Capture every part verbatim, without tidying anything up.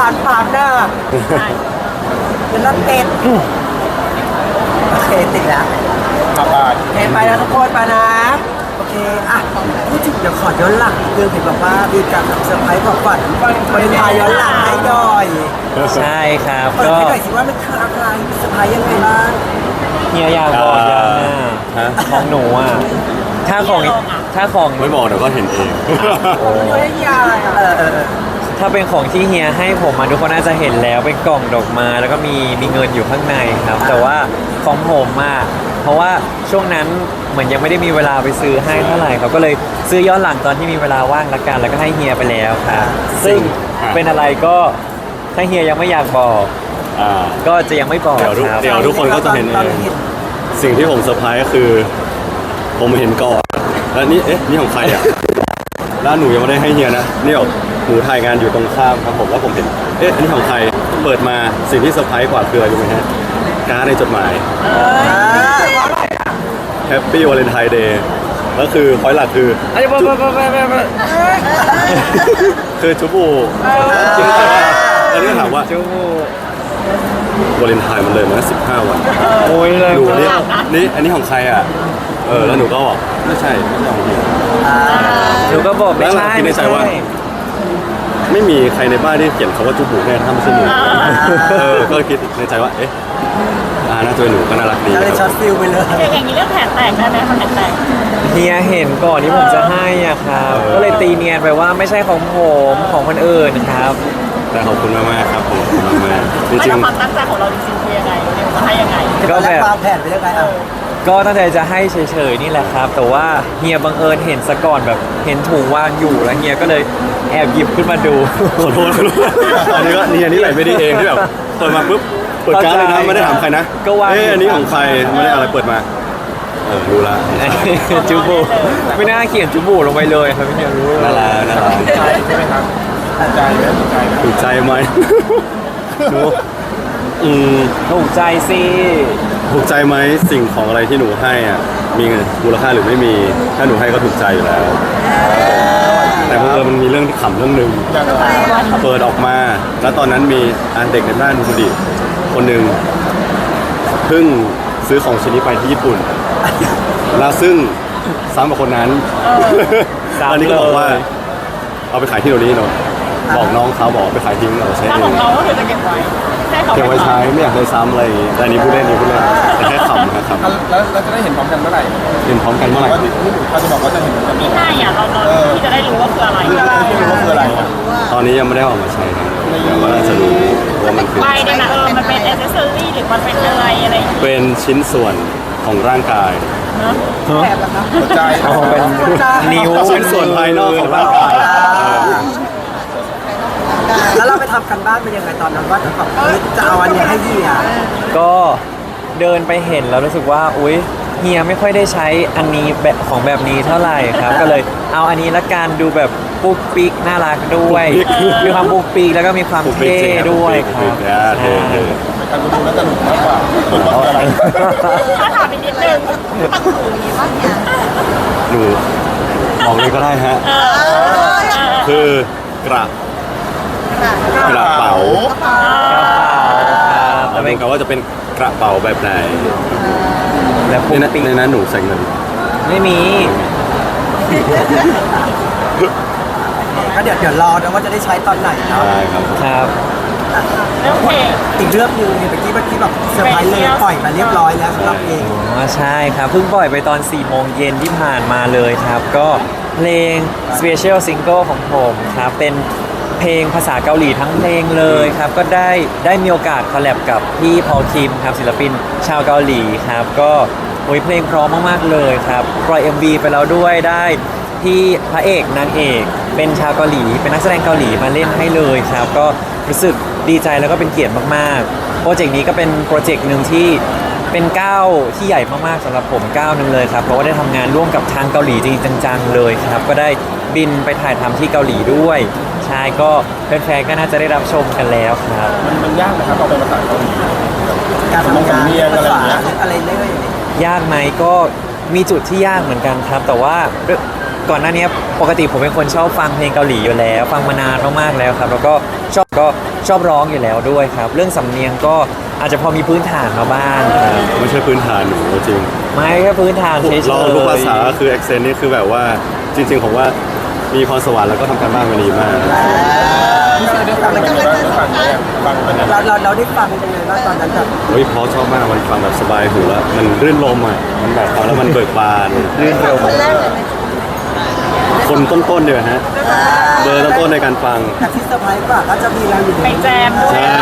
านปากหน้าเป็นรถติดโอเคติดแล้วครับไปโอเคไปแล้วทุกคนไปนะโอเคอ่ะพูดถึงเดี๋ยวขอย้อนหลังเรื่องเห็นบอกว่ามีการทำเซอร์ไพรส์ของขวัญวาเลนไทน์ย้อนหลังให้หน่อยใช่ครับเปิดก็ให้หน่อยสิว่ามันคืออะไรเซอร์ไพรส์ยังไงบ้างเฮียอยากบอกยังอ่ะฮะของหนูอ่ะถ้าของถ้าของไม่บอกเดี๋ยวก็เห็นเองเฮ้ยยายเออเออเออถ้าเป็นของที่เฮียให้ผมมาทุกคนน่าจะเห็นแล้วเป็นกล่องดอกไม้แล้วก็มีมีเงินอยู่ข้างในครับ แต่ว่าของผมอ่ะเพราะว่าช่วงนั้นเหมือนยังไม่ได้มีเวลาไปซื้อให้เท่าไหร่เขาก็เลยซื้อย้อนหลังตอนที่มีเวลาว่างละกันแล้วก็ให้เฮียไปแล้วครับซึ่งเป็นอะไรก็ถ้าเฮียยังไม่อยากบอกอ่าก็จะยังไม่บอกเดี๋ยวทุกครับเดี๋ยวทุกคนก็จะเห็นเองสิ่งที่ผมเซอร์ไพรส์ก็คือ ผมเห็นก่อนแล้วนี่เอ๊ะนี่ของใครอ่ะแล้วหนูยังไม่ได้ให้เฮียนะนี่แบบหนูถ่ายงานอยู่ตรงข้ามครับผมแล้วผมเห็นเอ๊ะอันนี้ของใครเปิดมาสิ่งที่เซอร์ไพรส์กว่าคืออะไรรู้ไหมฮะการ์ดในจดหมาย Happy Valentine Day แล้วคือพอยหลักคืออันนี้บอกบอกบอกบอกบอกคือจุบูจริงๆแล้วนี่ก็ถามว่าจูวาเลนไทน์มันเลยมาสิบห้าวันโอ้ยเลยหนูนี่นี่อันนี้ของใครอ่ะ เออ แล้วหนูก็บอกไม่ใช่ไม่ใช่ของเฮียหนูก็บอกไม่แล้วเราใช่คิดในใจว่า ไม่มีใครในบ้านที่เขียนคำว่าจุบุแน่ถ้าไม่ใช่หนูเออ ก็คิดในใจว่า เอ๊ะอ่าน่าจะเป็นหนูก็น่ารักดีก็เลยช็อตฟิลไปเลยอย่างนี้เรื่องแผลแตกได้ไหมคะแผลแตกเฮียเห็นก่อนที่ผมจะให้อ่ะครับ ก็เลยตีเนียนไปว่าไม่ใช่ของผมของคนอื่นครับแต่ขอบคุณมากๆครับผมขอบคุณมากๆจไม่ริงแล้วความตั้งใจของเราจริงๆคือยังไงเดี๋ยวจะให้ยังไงก็ตอนแรแบกบวางแผนไปยังไงอ่ะก็ตั้งใจจะให้เฉยๆนี่แหละครับ แต่ว่าเฮียบังเอิญเห็นซะก่อนแบบเห็นถุงวางอยู่แล้วเฮียก็เลยแอบหยิบขึ้นมาดูๆขอโทษขอโทษอันนี้ก็นี่อันนี้ไหลไม่ดีเองที่แบบเปิดมาปุ๊บเปิดการ์ดเลยนะไม่ได้ถามใครนะก็วางเอ๊ะอันนี้ของใครไม่ได้อะไรเปิดมาเออรู้ละจูบูไม่น่าเขียนจูบูลงไปเลยครับพี่เฮียรู้เลยน่ารักน่ารักใจใช่ไหมครับใจไหมใจไหมถูกใจไหมหนูอืมถูกใจสิถูกใจไหมสิ่งของอะไรที่หนูให้อ่ะมีมูลค่าหรือไม่มีถ้าหนูให้ก็ถูกใจอยู่แล้ว แต่บังเอิญมันมีเรื่องที่ขำเรื่องหนึ่งอย่างไรเปิดออกมา แล้วตอนนั้นมีอันเด็กในบ้านคุณดิคนหนึ่งเพิ่งซื้อของชิ้นนี้ไปที่ญี่ปุ่น แล้วซึ่งซ้ำกับคนนั้นอันนี้ก็บอกว่า เอาไปขายที่โน่นนี่เนาะบอกน้องเขาบอกไปขายทิ้งเอาใช้ถ้าเอของ งเราก็คือจะเก็บไว้ให้เขาเก็บไว้ใช้ไม่อยากได้ซ้ำอะไรอย่างงี้แต่อันนี้พูดเล่นนี่พูดเล่นแต่แค่ขำนะครับแล้วแล้วจะได้เห็นพร้อมกันเมื่อไหร่เห็นพร้อมกันเมื่อไหร่ว่าที่ที่เขาจะบอกว่าจะเห็นพร้อมกันที่ให้อ่ะเราเราที่จะได้รู้ว่าคืออะไรที่รู้ว่าคืออะไรอ่ะตอนนี้ยังไม่ได้ออกมาใช้นะแต่ว่าน่าจะรู้ว่ามันคือไปเนี่ยนะเออมันเป็นแอ c เซสซอรี่หรือมันเป็นอะไรอะไรอย่างเงี้ยเป็นชิ้นส่วนของร่างกายเนอะหัวใจเอาเป็นนิ้วชิ้นส่วนภายนอกของร่างกายเออแล้วเราไปทำกันบ้านเป็นยังไงตอนนั้นว่าจะแบบเฮ้ยจะเอาอันนี้ให้เฮียก็เดินไปเห็นแล้วรู้สึกว่าอุ๊ยเฮียไม่ค่อยได้ใช้อันนี้แบบของแบบนี้เท่าไหร่ครับ ก็เลยเอาอันนี้ละกันดูแบบปุ๊กปิ๊กน่ารักด้วยมีความปุ๊กปิ๊กแล้วก็มีความปุ๊กปิ๊กเท่จริงครับด้วยคปุ๊รักบปิ๊กอ่าเท่เท่การดูแล้วจะหนุกมากกว่าหนุกมากกว่าอะไรถ้าถามอีกนิดนึงหนูบอกเลยก็ได้ฮะเออเออคือกระกระเป๋าแต่แต่เป็เป็น นคำว่าจะเป็นกระเป๋าแบบไหนแล้วในปุ๊กนั้นปิ๊กในนั้นหนูใส่เงินไม่มีก็เดี๋ยวเดี๋ยวรอนะว่าจะได้ใช้ตอนไหนเนาะใช่ครับครับเรื่องเพลงอีกเรื่องหนึงเนี่ยเมื่อกี้เมื่อกี้แบบเซอร์ไพรส์เลยปล่อยมาเรียบร้อยแล้วสำหรับเพลงอ๋อใช่ครับเพิ่งปล่อยไปตอนสี่โมงเย็นที่ผ่านมาเลยครับ ก็เพลง Special Single ของผมครับเป็นเพลงภาษาเกาหลีทั้งเพลงเลยครับ ก็ได้ได้มีโอกาสคอลแลบกับพี่พอลคิมครับศิลปินชาวเกาหลีครับ ก็โอ้ยเพลงเพร้อมมากๆเลยครับปล่อย เอ็ม วี ไปแล้วด้วยได้ที่พระเอกนางเอกเป็นชาวเกาหลี เป็นนักแสดงเกาหลีมาเล่นให้เลยครับ ก็รู้สึกดีใจแล้วก็เป็นเกียรติมากๆโปรเจกต์นี้ก็เป็นโปรเจกต์หนึ่งที่ เป็นก้าวที่ใหญ่มากๆสำหรับผมก้าวหนึ่งเลยครับเพราะว่าได้ทำงานร่วมกับทางเกาหลีจริงๆจังๆเลยครับก็ได้บินไปถ่ายทำที่เกาหลีด้วยใช่ก็แฟนๆก็น่าจะได้รับชมกันแล้วครับมันมันยากนะครับเราเป็นภาษาเกาหลีการทำงานสำเนียงอะไรภาอย่างษาเงี้ยอะไรเรื่อยยากไหมก็มีจุดที่ยากเหมือนกันครับ แต่ว่าก่อนหน้านี้ปกติผมเป็นคนชอบฟังเพลงเกาหลีอยู่แล้ว ฟังมานานมากๆแล้วครับแล้วก็ชอบก็ชอบร้องอยู่แล้วด้วยครับ เรื่องสำเนียงก็อาจจะพอมีพื้นฐานมาบ้างครับไม่ใช่พื้นฐานหนูจริงไม่แค่พื้นฐานเฉยๆเรารู้ภาษาคือ accent นี่คือแบบว่าจริงๆผมว่ามีพรสวรรค์แล้วก็ทำการบ้านมาดีมากพี่เซอร์ได้ฟังยังไงบ้างฟังไหมฟังเป็นยังไงเราเราเราได้ฟังยังไงบ้างตอนนั้นแบบเฮ้ยเพราะชอบมากมันฟังแบบสบายหูแล้วมันรื่นลมอ่ะมันแบบฟังแล้วมันเบิกบานรื่นลมคนต้นๆเดียวฮะเบอร์ต้นๆในการฟังแต่ที่เซอร์ไพรส์กว่าก็จะมีเราอยู่ในไปแจมด้วยใช่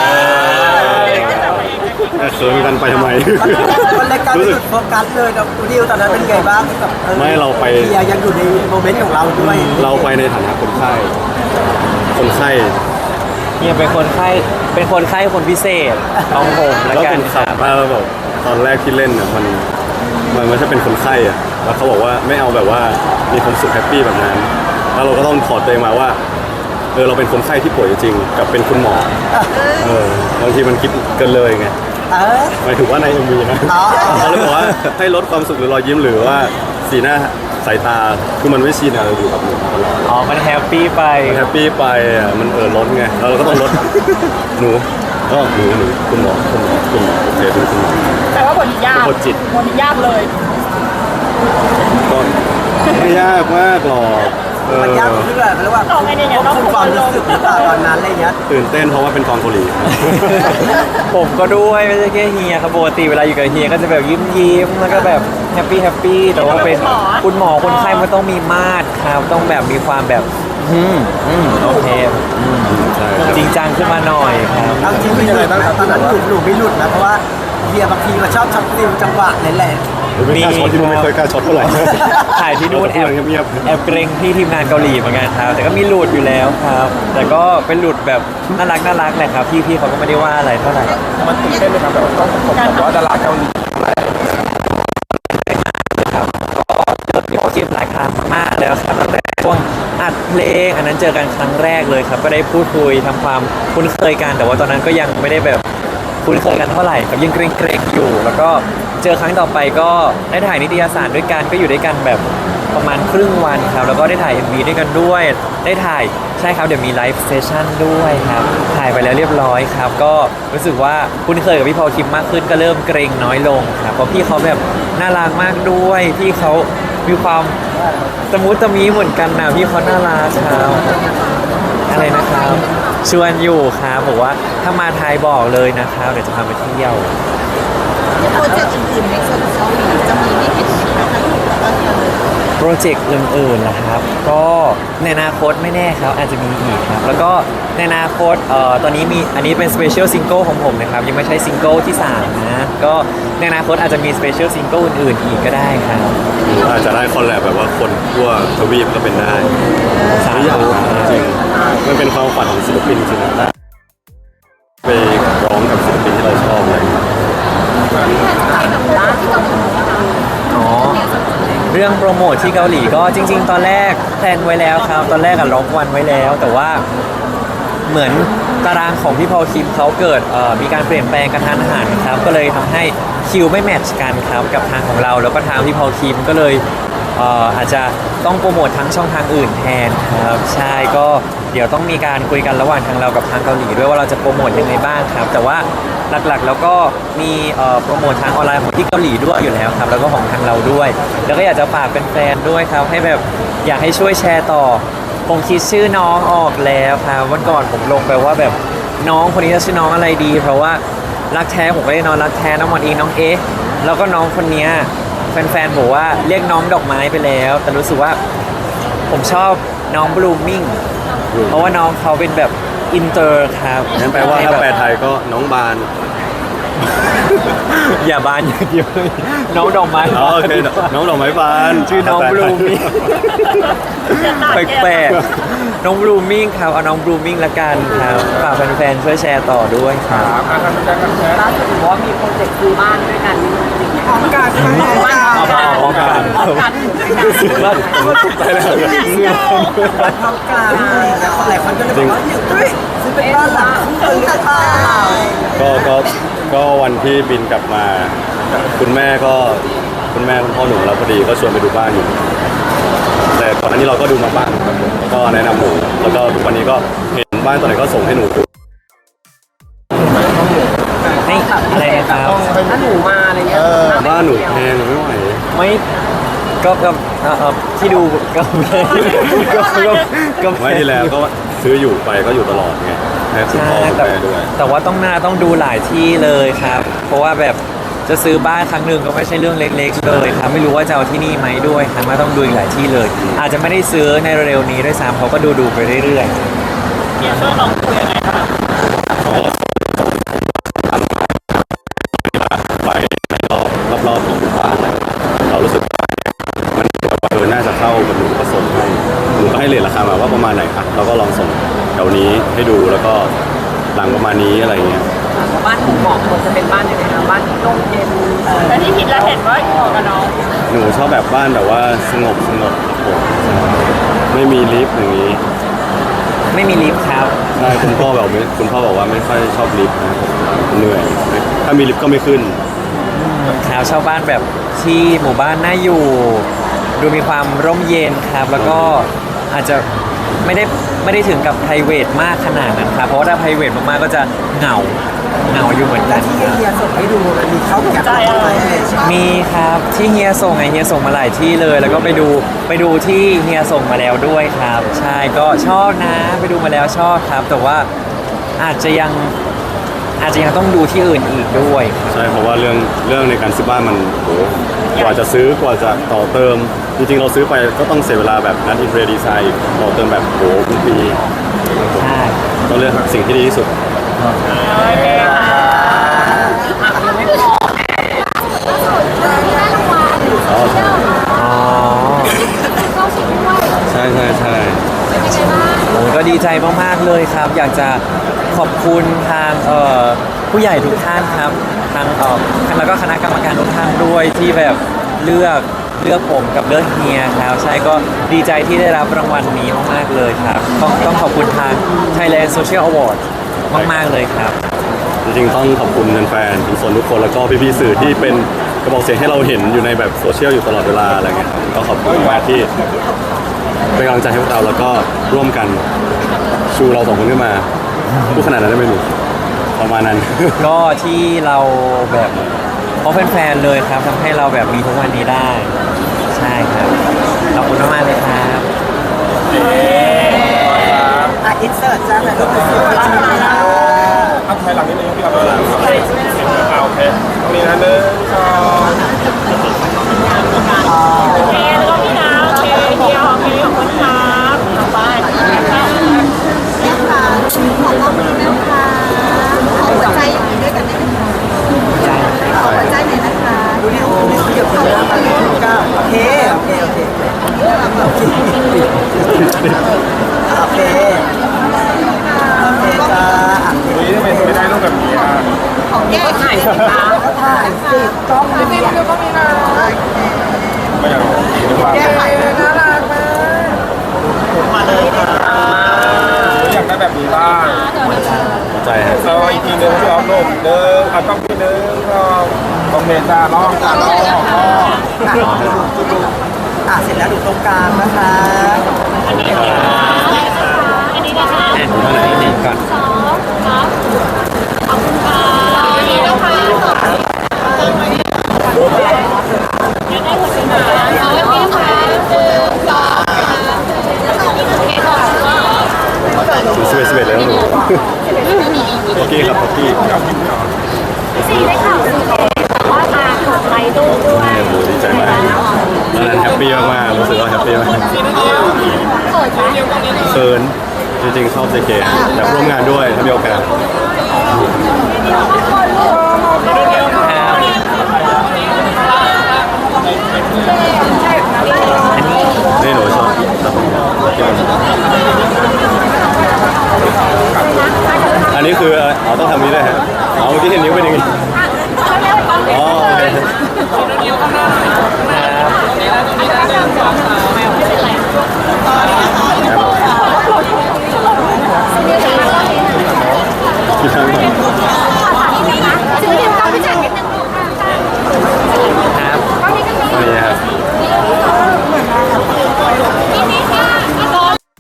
แต่เขินกันไปทำไมมันรายการรู้จุสึกดโฟกัสเลยกับอูดิวตอนนั้นเป็นไงบ้างกับออไม่เราไปเฮียยังอยู่ในโมเมนต์ของเราด้วยเราไปในฐานะคนไข้คนไข้เนี่ยเป็นคนไข้เป็นคนไข้คนพิเศษของผมแล้วแล้วกัผนมครัขับบมาแล้วแบบตอนแรกที่เล่นอ่ะมันมันไม่ใช่เป็นคนไข้อ่ะแล้วเขาบอกว่าไม่เอาแบบว่ามีความสุขแฮปปี้แบบนั้นแล้วเราก็ต้องถอดตัวเองมาว่าเออเราเป็นคนไข้ที่ป่วยจริงๆกับเป็นคุณหมอเออบางทีมันคิดเกินเลยไงเออหมายถึงว่าในเอ็มวีนะอ๋อเขาเลยบอกว่าให้ลดความสุขหรือรอยยิ้มหรือว่าสีหน้าสายตาคือมันไม่ชินอะเราอยู่กับหนูตลอดอ๋อมันแฮปปี้ไปมันแฮปปี้ไปอ่ะมันเออล้นไงแล้วเราก็ต้องลด หนูก็หนูหนูคุณหมอคุณหมอคุณหมอโอเคเป็นคุณหมอแต่ว่าบทนี้ยากบทจิตบทนี้ยากเลยก็ไม่ยากมากหรอกเออมันยากตรงที่แบบเรียกว่าควบคุมความรู้สึกหรือเปล่าตอนนั้นอะไรเงี้ยตื่นเต้นเพราะว่าเป็นกองเกาหลีผมก็ด้วยไม่ใช่แค่เฮียครับปกติเวลาอยู่กับเฮียก็จะแบบยิ้มยิ้มๆแล้วก็แบบแฮปปี้แฮปปี้แต่ว่าเป็นคุณหมอคนไข้มันต้องมีมาตรครับต้องแบบมีความแบบอืมอืมโอเคอืมใช่ครับจริงจังขึ้นมาหน่อยครับเอาจริงๆมีหลุดไหมตอนนั้นหลุดหลุดไม่หลุดนะเพราะว่าเฮียบางทีก็ชอบช็อตฟิลจังหวะนี่แหละไม่กล้าช็อตที่นู่นไม่เคยกล้าช็อตเท่าไหร่ถ่ายที่นู่นแอบเงียบๆแอบเกรงที่ทีมงานเกาหลีเหมือนกันครับแต่ก็มีหลุดอยู่แล้วครับ แต่ก็เป็นหลุดแบบน่ารักน่ารักแหละครับพี่พี่เขาก็ไม่ได้ว่าอะไรเท่าไหร่มันตื่นเต้นไหมครับแบบต้องประกบกับว่าดาราเกาหลีครับก็เจอพี่โอคิมหลายครั้งมากแล้วครับตั้งแต่ช่วงอัดเพลงอันนั้นเจอกันครั้งแรกเลยครับก็ได้พูดคุยทำความคุ้นเคยกันแต่ว่าตอนนั้นก็ยังไม่ได้แบบคุ้นเคยกันเท่าไหร่ครับยังเกรงๆอยู่ แล้วก็เจอครั้งต่อไปก็ได้ถ่ายนิตยสารด้วยกันก็อยู่ด้วยกันแบบประมาณครึ่งวันครับแล้วก็ได้ถ่าย เอ็ม วี ด้วยกันด้วย ได้ถ่ายใช่ครับเดี๋ยวมีไลฟ์เซสชั่นด้วยครับถ่ายไปแล้วเรียบร้อยครับก็รู้สึกว่าคุ้นเคยกับพี่พอลคิมมากขึ้นก็เริ่มเกรงน้อยลงครับเพราะพี่เขาแบบน่ารักมากด้วยพี่เขามีความตะมุตะมีเหมือนกันนะพี่เขาน่ารักครับอะไรนะครับชวนอยู่ครับบอกว่าถ้ามาไทยบอกเลยนะครับเดี๋ยวจะพาไปเที่ยวโปรเจกต์อื่นๆในส่วนของเกาหลีจะมีให้เห็นอีกไหมคะแล้วก็เธอโปรเจกต์อื่นๆนะครับ ก็ในอนาคตไม่แน่ครับอาจจะมีอีกครับ แล้วก็ในอนาคตเอ่อตอนนี้มีอันนี้เป็นสเปเชียลซิงเกิลของผมนะครับ ยังไม่ใช่ซิงเกิลที่สามนะก็ในอนาคตอาจจะมีสเปเชียลซิงเกิลอื่นๆอีกก็ได้ครับหรืออาจจะได้คอลแลบแบบว่าคนทั่วทวีปก็เป็นได้สาไม่อยากธุจริงๆมันเป็นความฝันของศิลปินจริงๆนะไปร้องกับศิลปินที่เราชอบเลยอ๋อเรื่องโปรโมทที่เกาหลีก็จริง ๆ ตอนแรกแพลนไว้แล้วครับ ตอนแรกอะล็อกวันไว้แล้ว แต่ว่าเหมือนตารางของพี่พอลคิมเขาเกิดเอ่อมีการเปลี่ยนแปลงกระทันหันครับ ก็เลยทำให้คิวไม่แมทช์กันครับกับทางของเรา แล้วก็ทางพี่พอลคิมก็เลยเอ่ออาจจะต้องโปรโมททั้งช่องทางอื่นแทนครับใช่ก็เดี๋ยวต้องมีการคุยกันระหว่างทางเรากับทางเกาหลีด้วยว่าเราจะโปรโมทยังไงบ้างครับ แต่ว่าหลักๆแล้วก็มีเอ่อโปรโมททางออนไลน์ของที่เกาหลีด้วยอยู่แล้วครับแล้วก็ของทางเราด้วย แล้วก็อยากจะฝากแฟนๆด้วยครับให้แบบอยากให้ช่วยแชร์ต่อผมคิดชื่อน้องออกแล้วครับวันก่อนผมลงไปว่าแบบน้องคนนี้จะชื่อน้องอะไรดี เพราะว่ารักแท้ผมก็ได้น้องรักแท้น้องมอนอีน้องเอ๊ะแล้วก็น้องคนเนี้ยแฟนๆบอกว่าเรียกน้องดอกไม้ไปแล้ว แต่รู้สึกว่าผมชอบน้องบลูมิ่งเพราะว่าน้องเขาเป็นแบบอินเตอร์ครับงั้นแปลว่าถ้าแปลไทยก็น้องบานอย่าบานอย่างเดียวเลยน้องดอกไม้อ๋อโอเคน้องดอกไม้บานชื่อน้องบลูมิ่ง แปลกๆน้องบลูมิ่งครับเอาน้องบลูมิ่งละกันครับฝากแฟนๆช่วยแชร์ต่อด้วยครับถามมาทำการทำแชร์ล่าสุดบอกว่ามีโปรเจกต์ซื้อบ้านด้วยกันพร้อมกันพร้อมกันเอามาพร้อมกันพร้อมกันด้วยกันว่าไปแล้วพร้อมกันหลายคนก็เลยบอกว่าเฮ้ยซื้อเป็นบ้านหลังคู่กันหรือเปล่าก็ก็ก็วันที่บินกลับมา คุณแม่ก็คุณแม่คุณพ่อหนุ่มเราพอดีก็ชวนไปดูบ้านอยู่ แต่ก่อนหน้านี้เราก็ดูมาบ้างครับผมก็แนะนำหนูแล้วก็ทุกวันนี้ก็เห็นบ้านตัวไหนก็ส่งให้หนูดูให้อะไรนะครับถ้าหนูมาอะไรเงี้ยบ้านหนูแพงไม่ไหวไม่ก็ก็เอ่อเอ่อที่ดูก็ก็ก็ก็ไม่ที่แล้วก็ซื้ออยู่ไปก็อยู่ตลอดไงให้คุณใช่พ่อคุณแต่แม่ด้วยแต่ว่าต้องหน้าต้องดูหลายที่เลยครับ เพราะว่าแบบจะซื้อบ้านครั้งหนึ่งก็ไม่ใช่เรื่องเล็กๆเลยครับไม่รู้ว่าจะเอาที่นี่ไหมด้วยครับมาต้องดูอีกหลายที่เลย อาจจะไม่ได้ซื้อในเร็วๆนี้ด้วยซ้ำเขาก็ดูดูๆไปเรื่อยๆเนี่ยช่วยลองคุยยังไงบ้างไปรอบรอบรอบๆของบ้านเรารู้สึกว่ามันเออน่าจะเข้ากับหนูก็ส่งให้หนูก็ให้เรทราคามาว่าประมาณไหนอ่ะเราก็ลองส่งแถวนี้ให้ดูแล้วก็หลังประมาณนี้อะไรเงี้ยบ้านผมบอกควรจะเป็นบ้านยังไงนะบ้านที่ร่มเย็นแล้วที่คิดแล้วเห็นว่าเหมาะกับน้องหนูชอบแบบบ้านแบบว่าสงบสงบครับผมไม่มีลิฟต์อย่างนี้ไม่มีลิฟต์ครับใช่คุณพ่อแบบไม่คุณพ่อบอกว่าไม่ค่อยชอบลิฟต์นะเหนื่อยถ้ามีลิฟต์ก็ไม่ขึ้นครับเช่าบ้านแบบที่หมู่บ้านน่าอยู่ ดูมีความร่มเย็นครับ แล้วก็อาจจะไม่ได้ไม่ได้ถึงกับ ไพรเวท มากขนาดนั้นครับเพราะว่าถ้า ไพรเวท มากๆก็จะเหงาเหงาอยู่เหมือนและกันที่ครับเฮียส่งให้ดูมันมีเข้าแก็บอะไรมีครับที่เฮียส่งไงเฮียส่งมาหลายที่เลย แล้วก็ไปดูไปดูที่เฮียส่งมาแล้วด้วยครับ ใช่ก็ชอบนะไปดูมาแล้วชอบครับ แต่ว่าอาจจะยังอาจจะยังต้องดูที่อื่นอีกด้วยครับใช่เพราะว่าเรื่องเรื่องในการซื้อบ้านมันโหกว่าจะซื้อกว่าจะต่อเติม จริงๆเราซื้อไปก็ต้องเสียเวลาแบบนัดอินเทอร์ดีไซน์ต่อเติมแบบโหเป็นปีใช่ต้องเลือกสิ่งที่ดีที่สุดโอเคค่ะอ๋ออ๋อใช่ใช่ใช่โอ้ก็ดีใจมากๆเลยครับ อยากจะขอบคุณทางเอ่อผู้ใหญ่ทุกท่านครับทางเอ่อแล้วก็คณะกรรมการทุกท่านด้วยที่แบบเลือกเลือกผมกับเลือกเฮียครับใช่ก็ดีใจที่ได้รับรางวัลนี้มากๆเลยครับ ต้องต้องขอบคุณทาง Thailand Social Award มากๆเลยครับจริงๆต้องขอบคุณแฟนๆทุกคนทุกคนแล้วก็พี่ๆสื่อที่เป็นกระบอกเสียงให้เราเห็นอยู่ในแบบโซเชียลอยู่ตลอดเวลาอะไรเงี้ยครับก็ขอบคุณมากที่เป็นกำลังใจให้พวกเราแล้วก็ร่วมกันชูเราสองคนขึ้นมาพูดขนาดนั้นได้ไหมหนูประมาณนั้นก็ที่เราแบบเพราะแฟนๆเลยครับทำให้เราแบบมีทุกวันนี้ได้ ใช่ครับขอบคุณมากๆเลยครับอ่ะอินเสิร์ตจ้าแบบรูปสวยๆจ้าเอาถอยหลังนิดนึงพี่เราถอยหลังเอาโอเคตรงนี้นะหนึ่งสองโอเคแล้วก็พี่น้ำโอเคเดียวโอเคขอบคุณครับต่อไปนะคะขอขอบคุณนะคะขอหัวใจอย่างนี้ด้วยกันได้ไหมคะขอหัวใจหน่อยนะคะดูดิโอ้ยเดี๋ยวคุณเริ่มมาเลยก้าโอเคโอเคโอเคโอเคโอเคโอเคจ้านี่ทำไมไม่ได้รูปแบบนี้อ่ะของแก้ไขนะคะถ่ายสิกล้องไม่มีมันก็มีนะไม่อยากบอกหรือเปล่าแก้ไขเลยน่ารักมากมาเลยค่ะอยากได้แบบนี้บ้างเข้าใจฮะเราอีกทีนึงพี่ออฟรูปหนึ่งเอาต้องทีนึงก็โอเคจ้าลองจ้าลองลองลองอ่ะเสร็จแล้วดูตรงกลางนะคะอันนี้นะคะอันนี้นะคะอ่ะเท่าไหร่นี่ก่อนสองครับขอบคุณค่ะอันนี้นะคะอยากได้หัวใจหมาเอาไว้พี่ค่ะหนึ่งสองโอเคขอบคุณค่ะดูสิบเอ็ดสิบเอ็ดแล้วหนูโอเคครับโอเคซีได้ข่าวซีแต่ว่ามาขอไลค์ดูด้วยโอ้โหดีใจมากตอนนั้นแฮปปี้มากๆรู้สึกว่าแฮปปี้มากเปิดไหมเขินจริงๆชอบเจเกอยากร่วมงานด้วยถ้ามีโอกาส นี่หนูชอบอันนี้คืออ๋อต้องทำนี้ด้วยฮะอ๋อเมื่อกี้เห็นนิ้วเป็นอย่างนี้อ๋อโอเค